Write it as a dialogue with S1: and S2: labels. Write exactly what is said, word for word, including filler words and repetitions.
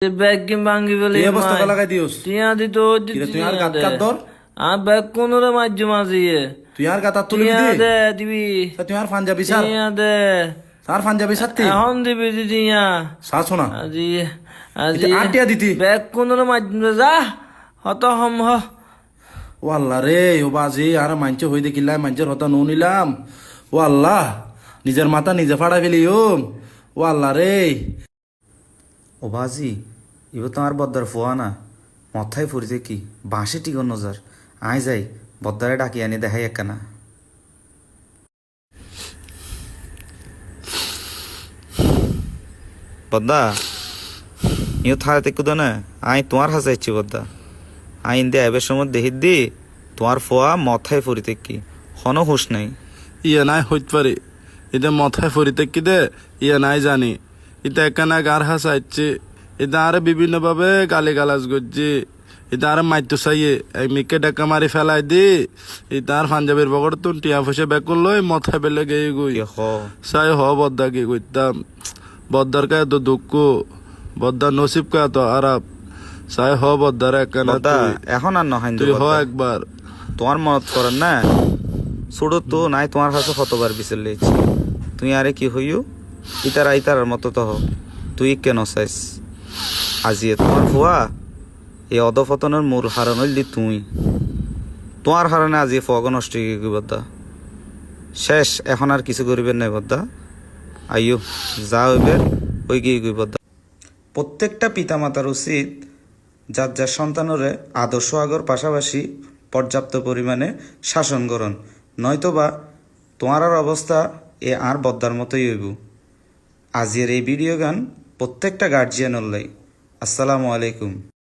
S1: Bag কি ভাঙ্গি বলে
S2: এই অবস্থা কলা লাগাই দিওস
S1: টিয়া দিত
S2: কিরে তুই আর গাত কাট ধর
S1: আর ব্যাগ কোন রে মাঝে মাঝিয়ে
S2: তুই আর গাত তুলি
S1: টিয়া
S2: দি
S1: দে দিবি
S2: তা তুই আর পাঞ্জাবি স্যার
S1: টিয়া দে
S2: স্যার পাঞ্জাবি সাথে
S1: এখন দিবি দি টিয়া
S2: সা শোনা
S1: আজি
S2: এটা
S1: আজি
S2: আটিয়া দিতি
S1: ব্যাগ কোন রে মাঝে যা হত হম হ
S2: ও আল্লাহ রে ও বাজি আর মাঞ্চ হই দেখিলাই মাঞ্চের হতা নো নিলাম ও আল্লাহ নিজের মাথা নিজে ফাড়া ফেলি ও ও আল্লাহ রে
S3: ও বাজি ইব তোমার বদ্দার ফোয়া না মথায় ফুরিতে কি বাঁশে টিকন নজর আয় যাই বদ্দারে ডাকি আনি দেখাই একখানা বদ্দা ইও থাড়াতে কুদো না আই তোমার হাসা ইচ্ছি বদ্দা আইন দে এবার সময় দেখি দি তোমার ফোয়া মথায় ফুরিতে কি হন হুশ নাই
S4: ইয়ে নাই হইতে পারে এটা মাথায় ফরিতে কি দে ইয়ে নাই জানি এটা একখানা গার হাসাইছে এটা আরে বিভিন্ন ভাবে গালি গালাজ করছে এটা আরে মাইতো চাইয়ে এই মিকে ডাকা মারি ফেলাই দি এটা আর পাঞ্জাবের বগর তো টিয়া ফসে বেক করলো মাথায় বেলে গিয়ে গই
S3: কি হ
S4: চাই হ বদ্দা কি করতাম বদ্দার কা তো দুঃখ বদ্দার নসিব কা তো আরাপ চাই হ বদ্দার একখানা
S3: বদ্দা
S4: তুই
S3: এখন আর নহাইন
S4: তুই হ একবার
S3: তোমার মনত করেন না ছোট তো নাই তোমার কাছে কতবার বিচার লেছি তুই আরে কি হইও ইতার আইতার মতো তো হ তুই কেন চাইস আজিয়ে তোমার ফুয়া এই অধপতনের মূল হারণ হইলি তুই তোমার হারণে আজি ফগ নষ্ট হয়ে গই বদ্দা শেষ এখন আর কিছু করিবেন নাই বদ্দা আইও যা হইবে ওই গিয়ে গই বদ্দা প্রত্যেকটা পিতামাতার উচিত যার যার সন্তানরে আদর্শ আগর পাশাপাশি পর্যাপ্ত পরিমাণে শাসন করন নয়তোবা তোমার আর অবস্থা এ আর বদ্দার মতোই হইব আজিয়ের এই ভিডিও গান প্রত্যেকটা গার্জিয়ান লাই আসসালামু আলাইকুম।